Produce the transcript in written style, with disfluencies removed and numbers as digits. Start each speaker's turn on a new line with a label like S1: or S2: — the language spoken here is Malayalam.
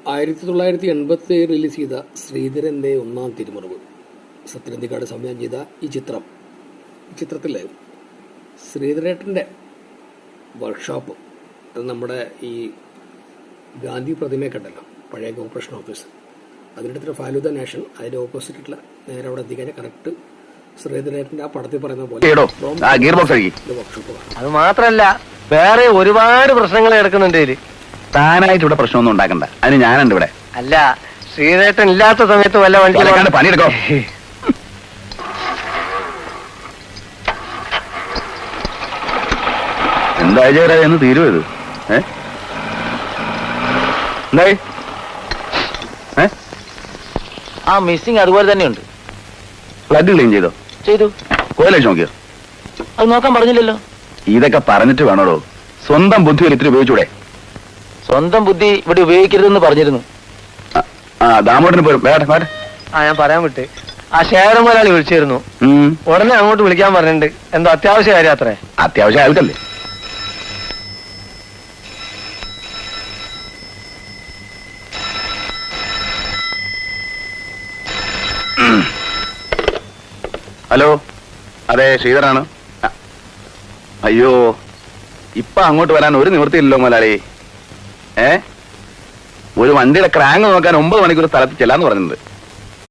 S1: 1987 റിലീസ് ചെയ്ത ശ്രീധരൻ്റെ ഒന്നാം തിരുമറവ് സത്യനന്ദിക്കാട് സംവിധാനം ചെയ്ത ഈ ചിത്രത്തിൽ ശ്രീധരേട്ടൻ്റെ വർക്ക്ഷോപ്പ് അത് നമ്മുടെ ഈ ഗാന്ധി പ്രതിമയെ കണ്ടല്ലോ, പഴയ കോർപ്പറേഷൻ ഓഫീസ്, അതിനടുത്തൊരു ഫാലൂദ നാഷൻ, അതിൻ്റെ ഓപ്പോസിറ്റുള്ള നേരെ അവിടെ എത്തിക്കാൻ കറക്റ്റ് ശ്രീധരേട്ടൻ്റെ ആ പടത്തിൽ പറയുന്ന പോലെ വർക്ക്ഷോപ്പ്.
S2: അത് മാത്രല്ല വേറെ ഒരുപാട് പ്രശ്നങ്ങൾ കിടക്കുന്നുണ്ട് ഇതില്.
S3: താനായിട്ട് ഇവിടെ പ്രശ്നമൊന്നും ഉണ്ടാക്കണ്ട, അതിന് ഞാനുണ്ട് ഇവിടെ.
S2: അല്ല, ശ്രീധരേട്ടൻ ഇല്ലാത്ത സമയത്ത് വല്ല
S3: പണിയെടുക്കോ. എന്തായാലും എന്ന് തീരുവോ ഇത്? എന്തായി?
S2: ആ മിസ്സിങ് അതുപോലെ തന്നെയുണ്ട്.
S3: പ്ലഗ് ക്ലീൻ ചെയ്തോ?
S2: ചെയ്തു.
S3: കോയിലടിച്ച് നോക്കിയോ?
S2: അത് നോക്കാൻ പറഞ്ഞില്ലല്ലോ.
S3: ഇതൊക്കെ പറഞ്ഞിട്ട് വേണോടോ, സ്വന്തം ബുദ്ധി ഇത്തിരി ഉപയോഗിച്ചൂടെ?
S2: സ്വന്തം ബുദ്ധി ഇവിടെ ഉപയോഗിക്കരുതെന്ന് പറഞ്ഞിരുന്നു.
S3: ദാമോദരന് പോരും.
S2: ഞാൻ പറയാൻ വിട്ട്. ആ ശേഖരൻ മുതലാളി വിളിച്ചിരുന്നു. ഉടനെ അങ്ങോട്ട് വിളിക്കാൻ പറഞ്ഞിട്ടുണ്ട്. എന്തോ അത്യാവശ്യ കാര്യം അത്രേ.
S3: അത്യാവശ്യം ആൾക്കല്ലേ? ഹലോ, അതെ ശ്രീധരാണ്. അയ്യോ, ഇപ്പൊ അങ്ങോട്ട് വരാൻ ഒരു നിവൃത്തിയില്ലല്ലോ മുതലാളി. ഒരു വണ്ടിയുടെ ക്രാങ്ക് നോക്കാൻ 9 മണിക്കൂർ സ്ഥലത്ത് ചെല്ലാന്ന് പറഞ്ഞിട്ടുണ്ട്.